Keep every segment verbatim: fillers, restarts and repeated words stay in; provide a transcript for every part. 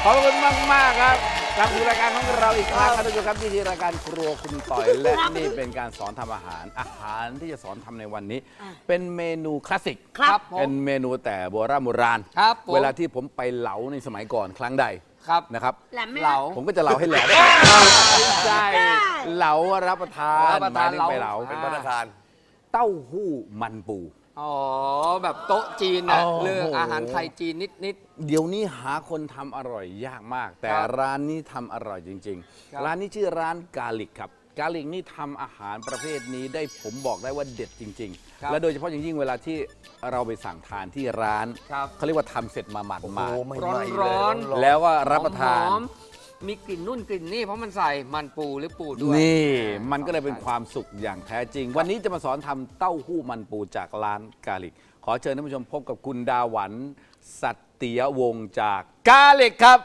ขอบคุณมากมากครับกลับสู่รายการของเราอีกครั้งครับทุกท่านครับที่ที่รายการครัวคุณต่อยและนี่เป็นการสอนทำอาหารอาหารที่จะสอนทำในวันนี้ เป็นเมนูคลาสสิกครับผมเป็นเมนูแต่โบราณโบราณครับผมเวลาที่ผมไปเหลาในสมัยก่อนครั้งใดครับนะครับแหลมไหมเหลาผมก็จะเหลาให้แหลมใช่เหลารับประทานรับประทานหมยถึงไปเหลาเหลาเป็นพัฒนาคารเต้าหู้มันปูอ๋อแบบโต๊ะจีนนะโอ้โหเรื่องอาหารไทยจีนนิดนิดเดี๋ยวนี้หาคนทำอร่อยยากมาก แต่ครับร้านนี้ทำอร่อยจริงครับๆ ร้านนี้ชื่อร้านกาลิกครับกาลิกนี่ทำอาหารประเภทนี้ได้ผมบอกได้ว่าเด็ดจริงครับๆ และโดยเฉพาะอย่างยิ่งเวลาที่เราไปสั่งทานที่ร้านครับเขาเรียกว่าทำเสร็จมาหมาดโอ้โหมาไม่ร้อนไหม้ร้อนเลยแล้วก็ๆรับประทานหอมๆมีกลิ่นนุ่นกลิ่นนี่เพราะมันใส่มันปูหรือปูด้วยนี่มันก็เลยเป็นความสุขอย่างแท้จริง วันนี้จะมาสอนทำเต้าหู้มันปูจากร้านกาลิก ขอเชิญท่านผู้ชมพบกับคุณดาหวันสัตติยวงศ์จากกาลิกครับ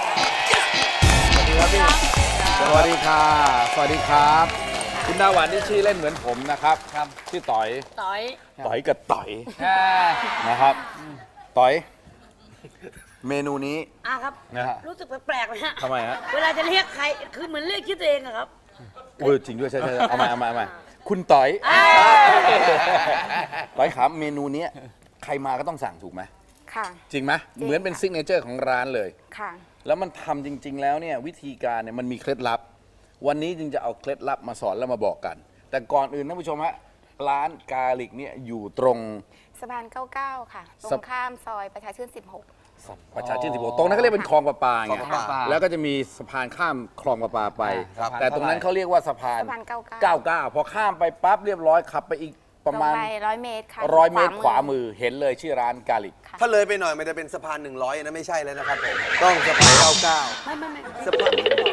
สวัสดีค่ะ สวัสดีครับ คุณดาหวันนี่ชื่อเล่นเหมือนผมนะครับครับชื่อต่อยต่อยต่อยกับต่อยแค่นะครับต่อย เมนูนี้อ่ะครับนะฮะรู้สึกแปลกๆเลยฮะทำไมฮะเวลาจะเรียกใคร คือเหมือนเรียกชื่อตัวเองอะครับเออจริงด้วยใช่ใช่เอามาเอามาเอามาคุณต่อยอ่าต่อยครับเมนูเนี้ยใครมาก็ต้องสั่งถูกไหมค่ะจริงไหมจริงเหมือนเป็นค่ะซิกเนเจอร์ของร้านเลยค่ะแล้วมันทำจริง ๆ แล้วเนี่ยวิธีการเนี่ยมันมีเคล็ดลับ วันนี้จึงจะเอาเคล็ดลับมาสอนแล้วมาบอกกัน แต่ก่อนอื่นท่านผู้ชมฮะร้านกาลิกเนี่ยอยู่ตรงสะพานเก้าเก้าค่ะ ตรสะงข้ามซอยประชาชื่นสิบหกประชาชื่นสิบหกตรงนั้นเขาเรียกเป็นคลองประปาคลไงองประปาแล้วก็จะมีสะพานข้ามคลองประปาไปครับแต่ตรงนั้นเขาเรียกว่าสะพานสะพานเก้าเก้าเก้าเก้าพอข้ามไปปั๊บเรียบร้อยขับไปอีกประมาณตงไปร้อยเมตรค่ะร้อยเมตรขวามือเห็นเลยชื่อร้านกาลิกค่ะถ้าเลยไปหน่อยมันจะเป็นสะพานหนึ่งร้อยนะไม่ใช่แล้วนะครับผม ต้องสะพานเก้าเก้าไม่ไม่ไม่สะพาน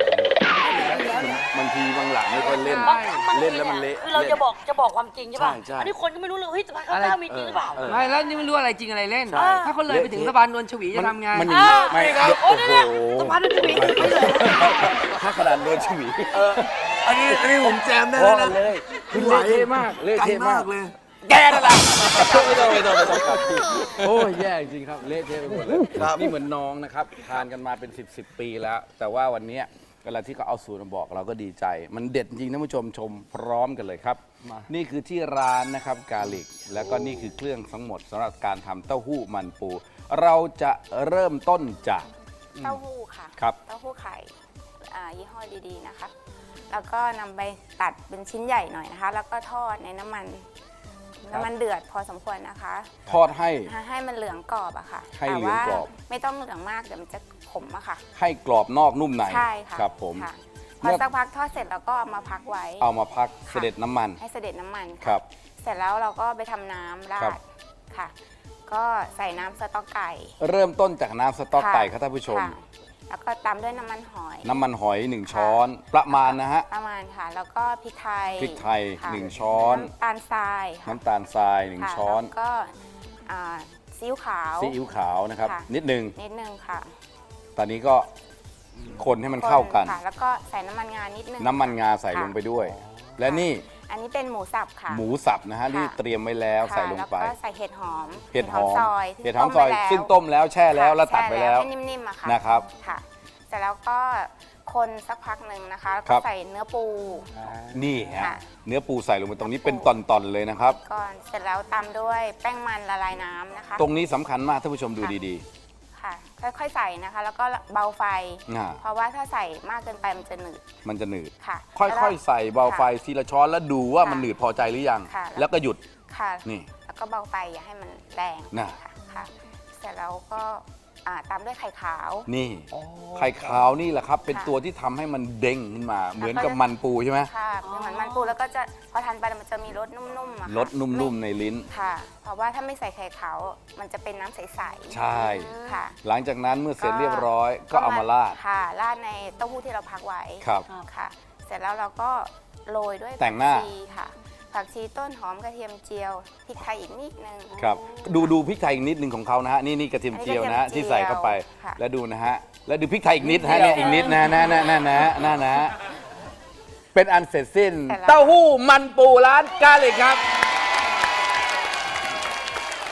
บางทีบางหลังไม่ค่อยเล่นบางบางเล่นแล้วมันเละคือเราจะบอกจะบอกความจริงใช่ป่ะใช่ใช่อันนี้คนก็ไม่รู้เลยเฮ้ยสะพานข้าวเจ้ามีจริงหรือเปล่าเออไม่แล้วนี่ไม่รู้อะไรจริงอะไรเล่นใช่ถ้าเขาเลยไปถึงสะพานนวลชวีจะทำไงมันอ่าไม่ครับโอ้โหสะพานมันจะมีไม่เลยถ้าขนาดโดนฉวีอันนี้อันนี้ผมแจมได้พอแล้วนะเลยคือเละเทะมากเละไกลเทะมามาก กเลยแกนั่นแหละไม่ต้องไม่ต้องไม่ต้องครับโอ้ยแย่จริงครับเละเทะไปหมดเลยครับนี่เหมือนน้องนะครับทานกันมาเป็นสิบสิบปีแล้ว แต่ว่าวันนี้เวลาที่เขาเอาสูตรมาบอกเราก็ดีใจ มันเด็ดจริงท่านผู้ชมชมพร้อมกันเลยครับ นี่คือที่ร้านนะครับกาลิก แล้วก็นี่คือเครื่องทั้งหมดสำหรับการทำเต้าหู้มันปู เราจะเริ่มต้นจากเต้าหู้ค่ะครับเต้าหู้ไข่อ่ายี่ห้อดีๆนะคะ แล้วก็นำไปตัดเป็นชิ้นใหญ่หน่อยนะคะ แล้วก็ทอดในน้ำมัน น้ำมันเดือดพอสมควรนะคะทอดให้ให้มันเหลืองกรอบอะค่ะให้แต่เหลืองว่ากรอบไม่ต้องเหลืองมากเดี๋ยวมันจะขมอะค่ะให้กรอบนอกนุ่มในใช่ค่ะครับผมค่ะพเมื่ออสักพักทอดเสร็จแล้วก็เอามาพักไว้เอามาพักเสด็จน้ำมันให้เสด็จน้ำมันค่ะครับเสร็จแล้วเราก็ไปทำน้ำราครัดบค่ะ ก็ใส่น้ำสต๊อกไก่เริ่มต้นจากน้ำสต๊อกค่ะไก่ครับท่านผู้ชมค่ะแล้วก็ตามด้วยน้ำมันหอยน้ำมันหอยหนึ่งช้อนประมาณนะฮะประมาณค่ะ แล้วก็พริกไทยพริกไทยค่ะหนึ่งช้อนน้ำตาลทรายค่ะน้ำตาลทรายหนึ่งค่ะช้อนแล้วก็อ่าซีอิ๊วขาวซีอิ๊วขาวนะครับค่ะนิดนึงนิดนึงค่ะตอนนี้ก็คนให้มันเข้ากันค่ะ แล้วก็ใส่น้ำมันงานิดนึงน้ำมันงาใส่ค่ะลงไปด้วย และนี่อันนี้เป็นหมูสับค่ะหมูสับนะฮะค่ะที่เตรียมไว้แล้วค่ะใส่ลงไปแล้วก็ใส่เห็ดหอมเห็ดหอมซอยเห็ดหอมซอยต้ไว้แล้วซึ่งต้มแล้วแช่แล้วค่ะแล้วตัดไปแล้วช่ให้นิ่มๆอะค่ะนะครับค่ะ เสร็จแล้วก็คนสักพักหนึ่งนะคะแล้วครัก็บใส่เนื้อปูนี่ฮะค่ะเนื้อปูใส่ลงไปตรงนี้เป็นตอนๆเลยนะครับก่อนเสร็จแล้วตามด้วยแป้งมันละลายน้ำนะคะตรงนี้สำคัญมากท่านผู้ชมดูดีค่ะ ค่อยๆใส่นะคะ แล้วก็เบาไฟอ่าเพราะว่าถ้าใส่มากเกินไปมันจะหนืดๆ มันจะหนืดค่ะค่อยๆ ใส่เบาไฟทีละช้อนแล้วดูว่ามันหนืดพอใจหรือยังค่ะแล้วก็หยุดค่ะนี่แล้วก็เบาไฟอย่าให้มันแรงน่ะค่ะค่ะ เสร็จแล้วก็อ่าตามด้วยไข่ขาวนี่ไข่ขาวนี่แหละครับ เป็นค่ะตัวที่ทำให้มันเด้งขึ้นมา เหมือนกับมันปูใช่ไหมค่ะเหมือนมันปูแล้วก็จะพอทานไปมันจะมีรสนุ่มๆอะค่ะรสนุ่มๆในลิ้นค่ะ เพราะว่าถ้าไม่ใส่ไข่ขาวมันจะเป็นน้ำใสๆใช่ค่ะหลังจากนั้นเมื่อเสร็จเรียบร้อย ก็เอามาราดค่ะราดในเต้าหู้ที่เราพักไว้ครับค่ะ เสร็จแล้วเราก็โรยด้วยแต่งหน้าผักชีค่ะ ผักชีต้นหอมกระเทียมเจียวพริกไทยอีกนิดนึงครับ ดูดูพริกไทยอีกนิดหนึ่งของเขานะฮะ นี่นี่กระเทียมเจียวนะฮะอันนี้ที่กระเทียมใส่เข้าไปค่ะแล้วดูนะฮะ แล้วดูพริกไทยอีกนิดนะฮะเนี่ยอีกนิดนะนะนะนะนะนะนะเป็นอันเสร็จสิ้น เต้าหู้มันปูร้านกาลิกครับ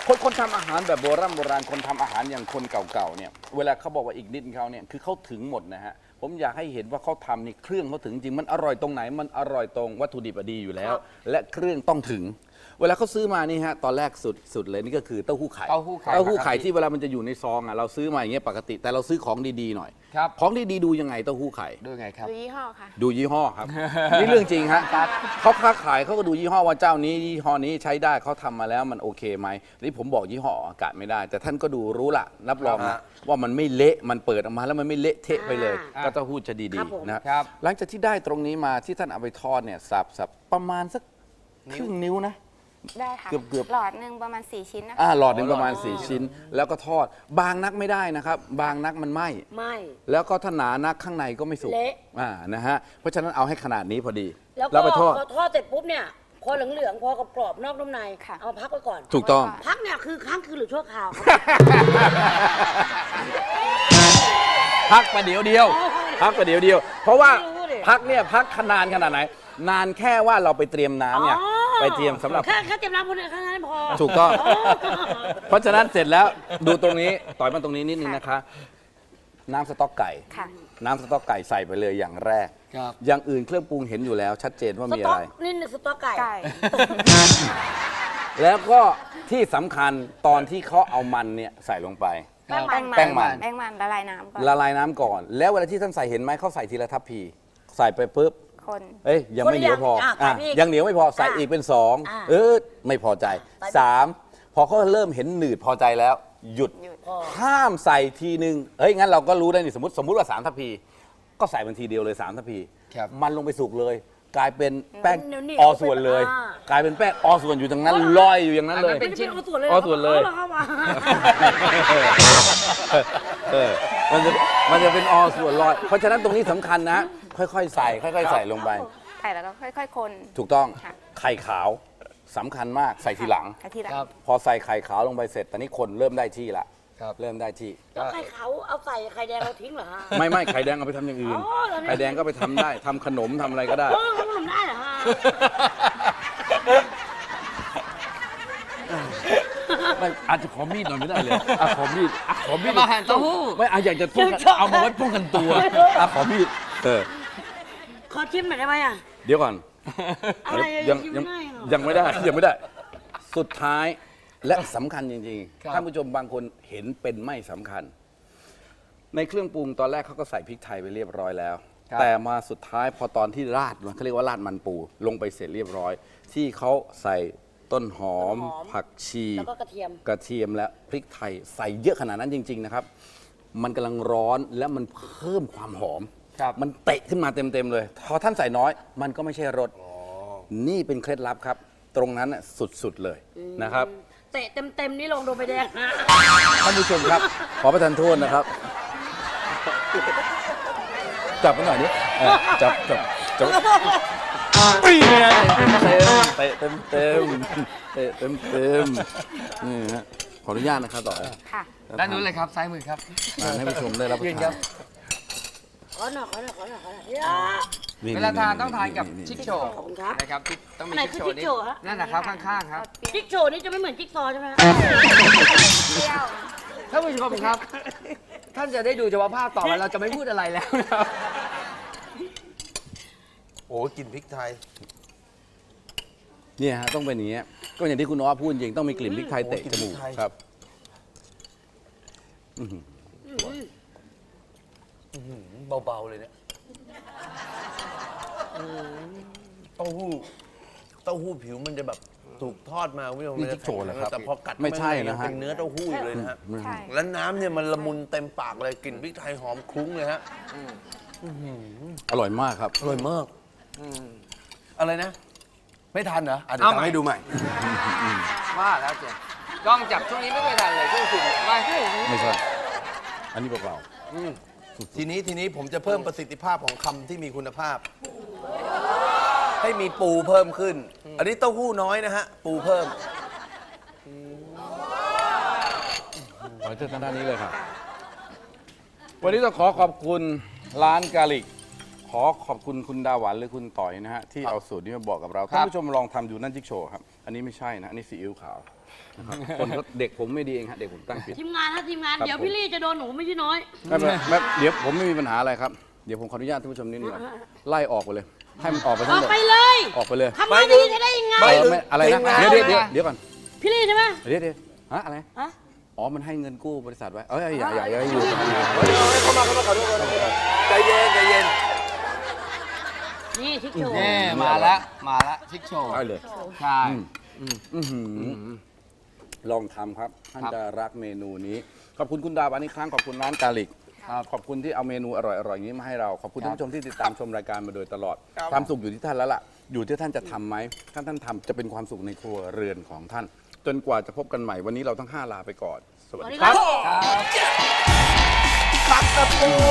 คนคนทำอาหารแบบโบราณโบราณคนทำอาหารอย่างคนเก่าๆเนี่ยเวลาเขาบอกว่าอีกนิดเขาเนี่ยคือเขาถึงหมดนะฮะผมอยากให้เห็นว่าเขาทำนี่เครื่องเขาถึงจริงมันอร่อยตรงไหนมันอร่อยตรงวัตถุดิบอะดีอยู่แล้ว และเครื่องต้องถึง เวลาเขาซื้อมานี่ฮะตอนแรกสุดสุดเลยนี่ก็คือเต้าหู้ไข่เต้าหู้ไข่เต้าหู้ไข่ที่เวลามันจะอยู่ในซองอ่ะเราซื้อมาอย่างเงี้ยปกติแต่เราซื้อของดีๆหน่อยครับของดีๆดูยังไงเต้าหู้ไข่ดูไงครับดูยี่ห้อค่ะดูยี่ห้อครับ นี่เรื่องจริงฮะเขาค้าขายเขาก็ดูยี่ห้อว่าเจ้านี้ยี่ห้อนี้ใช้ได้เขาทำมาแล้วมันโอเคไหมนี่ผมบอกยี่ห้ออากาศไม่ได้ แต่ท่านก็ดูรู้ละรับรองนะว่ามันไม่เละมันเปิดออกมาแล้วมันไม่เละเทะไปเลยอ่าก็เต้าหู้จะดีครับผมๆนะครับ หลังจากที่ได้ตรงนี้มาที่ท่านเอาไปทอดเนี่ยสับสับประมาณสักครึ่งนิ้วนะได้ค่ะเกือบๆหลอดหนึ่งประมาณสี่ชิ้นนะคะอ่าหลอดหนึ่งประมาณสี่ชิ้น แล้วก็ทอดบางนักไม่ได้นะครับ บางนักมันไหมไม่แล้วก็ถ้าหนานักข้างในก็ไม่สุกเละอ่านะฮะเพราะฉะนั้นเอาให้ขนาดนี้พอดีแล้วแล้วก็ไปทอดพอทอดเสร็จปุ๊บเนี่ย พอเหลืองๆ พอกรอบๆนอกนุ่มในค่ะเอาพักไว้ก่อนถูกต้องพักเนี่ยคือค้างคืนหรือชั่วคราวครับพักประเดี๋ยวเดียว พักประเดี๋ยวเดียว เพราะว่าไม่รู้ดิพักเนี่ยพักขนานขนาดไหน นานแค่ว่าเราไปเตรียมน้ำเนี่ยอ๋อไปเตรียมสำหรับแค่แค่เตรียมน้ำคนเดียวแค่นั้นพอถูกต้องอ๋อเพราะฉะนั้นเสร็จแล้วดูตรงนี้ต่อยมาตรงนี้นิดนึงนะคะ น้ำสต๊อกไก่ค่ะน้ำสต๊อกไก่ใส่ไปเลยอย่างแรกครับอย่างอื่นเครื่องปรุงเห็นอยู่แล้ว ชัดเจนว่าสมีต๊อะอกไรนี่หนึ่งสต๊อกไก่ไก่แล้วก็ที่สำคัญตอนที่เขาเอามันเนี่ยใส่ลงไปแป้งแป้งมัมัน นแป้งมันแป้งมันละลายน้ำก่อนละลายน้ำก่อน แล้วเวลาที่ท่านใส่เห็นไหมเขาใส่ทีละทัพพี ใส่ไปปุ๊บคนเอ้ยยังไม่เหนียวพออ่ะอ่ะใส่อีกยังเหนียวไม่พอใส่อ่ะอีกเป็นสองอ่ะเออไม่พอใจใส่อีกสามพอเขาเริ่มเห็นหนืดพอใจแล้ว หยุดหยุดพอห้ามใส่ทีนึงเฮ้ยงั้นเราก็รู้ได้นี่สมมติสมมติว่าสามทัพพี ก็ใส่บันทีเดียวเลยสามทัพพีครับมันลงไปสุกเลย กลายเป็นแป้งเหนียวๆออส่วนเลยอ่ากลายเป็นแป้งออส่วนอยู่ตรงนั้นลอยอยู่อย่างนั้นเลยอันนั้นเป็นชิ้นเอาส่วนเลยเอาส่วนเลยอาหรอครับอ่ะเออมันจะมันจะเป็นออส่วนลอย เพราะฉะนั้นตรงนี้สำคัญนะ ค่อยๆ ใส่ ค่อยๆ ใส่ลงไปไข่แล้วก็ค่อยๆ คนถูกต้องค่ะไข่ขาวสำคัญมากใส่ทีหลังไข่ทีหลังครับพอใส่ไข่ขาวลงไปเสร็จตอนนี้คนเริ่มได้ที่ละครับเริ่มได้ที่แล้วไข่ขาวเอาใส่ไข่แดงเราทิ้งเหรอฮะไม่ไม่ไข่แดงเอาไปทำอย่างอื่นอ๋อแล้วเนี่ยไข่แดงก็ไปทำได้ทำขนมทำอะไรก็ได้เออทำขนมได้เหรอฮะไม่อาจจะขอมีดหน่อยไม่ได้เลยอ่ะขอมีดอ่ะขอมีดจะมาหั่นเต้าหู้ไม่อาอยากจะป้องกันเอามาไว้ป้องกันตัวอ่ะขอมีดเออขอชิมหน่อยได้ไหมอ่ะเดี๋ยวก่อนอะไรอะยังชิมยังไม่ได้เหรอยังไม่ได้ยังไม่ได้ สุดท้ายและสำคัญจริงครับๆท่านผู้ชมบางคนเห็นเป็นไม่สำคัญ ในเครื่องปรุงตอนแรกเขาก็ใส่พริกไทยไปเรียบร้อยแล้ว แต่มาสุดท้ายพอตอนที่ราดมันเขาเรียกว่าราดมันปู ลงไปเสร็จเรียบร้อย ที่เขาใส่ต้นหอมต้นหอมผักชีแล้วก็กระเทียมกระเทียมและพริกไทยใส่เยอะขนาดนั้นจริง ๆ นะครับ มันกำลังร้อนและมันเพิ่มความหอมครับมันเตะขึ้นมาเต็ม ๆ เลย พอท่านใส่น้อย มันก็ไม่ใช่รสนี่เป็นเคล็ดลับครับ ตรงนั้นน่ะสุด ๆ เลยนะครับเตะเต็มๆนี่ลงโดนใบแดงนะท่านผู้ชมครับ ขอประทานโทษนะครับ จับกันหน่อยดิเออจับจับจับปี๊ยเตะเต็มเต็มเตะเต็มเต็มนี่ฮะขออนุญาตนะครับต่อค่ะด้านนู้นเลยครับซ้ายมือครับมาให้ผู้ชมได้รับประยืนทาครันบขอหน่อยขอหน่อยขอหน่อยขอหน่อยเวลาทานต้องทานกับชิคโชว์ขอบคุณครับนะครับที่ต้องมีไหนชิคคือโชว์ชิคโชว์ฮะนั่นนะครับข้างๆครับจิ๊กโชว์นี่จะไม่เหมือนจิ๊กซอว์ใช่ไหมฮะเปรี้ยวท่านผู้ชมครับ ท่านจะได้ดูเฉพาะภาพต่อไปเราจะไม่พูดอะไรแล้วนะครับโอ้กลินพริกไทยเนี่ยฮะต้องเป็นอย่างเงี้ยก็อย่างที่คุณน้อพูดจริงต้องมีกลิ่นพริกไทยเตะจมูกโอ้กลิ่นพริกไทยครับเบา ๆ เลยเนี่ยเต้าหู้เต้าหู้ผิวมันจะแบบถูกทอดมาคุณผู้ชมนี่มันจะจิ๊กโชว์เหรอครับแต่พอกัดไม่ใช่นะฮะเป็นเนื้อเต้าหู้อยู่เลยนะฮะใช่แล้วน้ำเนี่ยมันละมุนเต็มปากเลยกลิ่นพริกไทยหอมคลุ้งเลยฮะอร่อยมากครับอร่อยมากอะไรนะ ไม่ทันเหรออ่ะเดี๋ยเอาวใหม่ทำให้ดูใหม่ว่าแล้วเจ๊กล้องจับช่วงนี้ไม่เคยทันเลยช่วงสุดไม่ไม่ใช่ อันนี้เปล่าทีนี้ทีนี้ผมจะเพิ่มประสิทธิภาพของคำที่มีคุณภาพ ให้มีปูเพิ่มขึ้น อันนี้เต้าหู้น้อยนะฮะ ปูเพิ่มขอเชิญทางด้านนี้เลยครับ วันนี้ต้องขอขอบคุณร้านกาลิก ขอขอบคุณคุณดาหวันหรือคุณต่อยนะฮะที่เอาสูตรนี้มาบอกกับเราท่านผู้ชมลองทำดูนั่นจิ๊กโชว์ครับ อันนี้ไม่ใช่นะ อันนี้ซีอิ๊วขาวนะครับคนเขาเด็กผมไม่ดีเองฮะเด็กผมตั้งผิดทีมงานฮะทีมงานครับเดี๋ยวผมพี่ลี่จะโดนหนูไม่ใช่น้อยไม่เป็นไรไม่เดี๋ยวผมไม่มีปัญหาอะไรครับเดี๋ยวผมขออนุญาตท่านผู้ชมนิดนึงก่อนไล่ออกไปเลย ให้มันออกไปอทั้งอกหมดไปเลยออกไปเลยทำมาดีจะได้ยังไงเออไม่อะไรนะเดี๋ยวเดี๋ยวเดี๋ยวเดี๋ยวก่อนพี่ลี่ใช่ไหมเดี๋ยวเดี๋ยวฮะอะไรฮะอ๋อมันให้เงินกู้บริษัทไว้เอ้ยอย่าอย่าอย่าอยู่เข้ามาเข้ามาขอโทษใจเย็นใจเย็นนี่ทิกโชว์แน่มาแล้วมาแล้วชิคโชว์ได้เลยใช่อื้อหือลองทำครับท่านครับจะรักเมนูนี้ขอบคุณคุณดาวอันนี้ครั้งขอบคุณร้านกาลิกครับขอบคุณที่เอาเมนูอร่อยๆอย่างนี้มาให้เราขอบคุณครับท่านผู้ชมที่ติดตามชมรายการมาโดยตลอด ความสุขอยู่ที่ท่านแล้วล่ะอยู่ที่ท่านจะทำไหมถ้าท่านทำจะเป็นความสุขในครัวเรือนของท่าน จนกว่าจะพบกันใหม่วันนี้เราทั้งห้าลาไปก่อน สวัสสวัสดีดีคครัรับ บปักตะปัว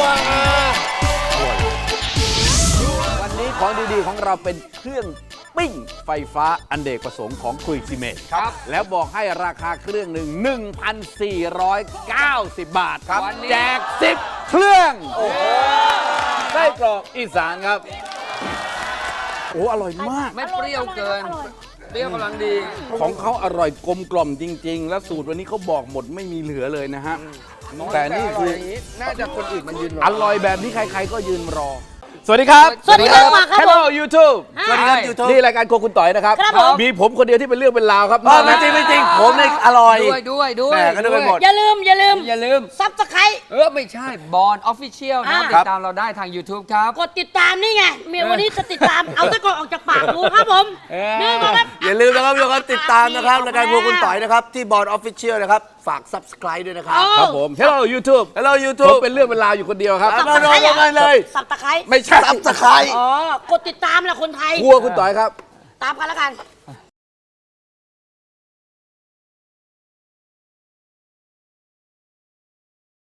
วันนี้ของดีๆของเราเป็นเครื่องปิ้งไฟฟ้าอันเดกประสงค์ของคุยซีเมนต์ครับแล้วบอกให้ราคาเครื่องหนึ่ง หนึ่งพันสี่ร้อยเก้าสิบ บาทครับวันนี้แจกสิบเครื่องไส้กรอกอีสานครับ โอ้อร่อยมากไม่เปรี้ยวเกิน เปรี้ยวกำลังดีของเขาอร่อยกลมกล่อมจริง ๆ แล้วสูตรวันนี้เขาบอกหมดไม่มีเหลือเลยนะฮะ แต่นี่คือน่าจะคนอื่นมันยืนรออร่อยแบบนี้ใคร ๆ ก็ยืนรอ สวัสดีครับสวัสดีครับครับผม Hello YouTube สวัสดีครับยูทูบนี่รายการโครัวคุณต่อยนะครับครับผมมีผมคนเดียวที่เป็นเรื่องเป็นราวครับไม่จริงไม่จริงผมเนี่ยอร่อยด้วยด้วยด้วยแหม่ก็นึกไปหมดอย่าลืมอย่าลืมอย่าลืมซับสไครต์เออ ไม่ใช่บอลออฟฟิเชียลนะอ่าติดตามเราได้ทาง YouTube ครับกดติดตามนี่ไงเมียวันนี้จะติดตาม เอาตะกอนออกจากปากดูครับผมเออนี่มาครับอย่าลืมนะครับทุกคนติดตามนะครับรายการพวกคุณต่อยนะครับ ที่บอร์ดออฟฟิเชียลนะครับ ฝาก subscribe ด้วยนะครับครับผม Hello YouTube Hello ผม YouTube เป็นเรื่องเป็นราวอยู่คนเดียวครับครับ มาลงกันเลยสับตะไคร้ไม่ใช่ subscribe อ๋อกดติดตามแหละคนไทยครัวคุณต่อยครับตามกันแล้วกัน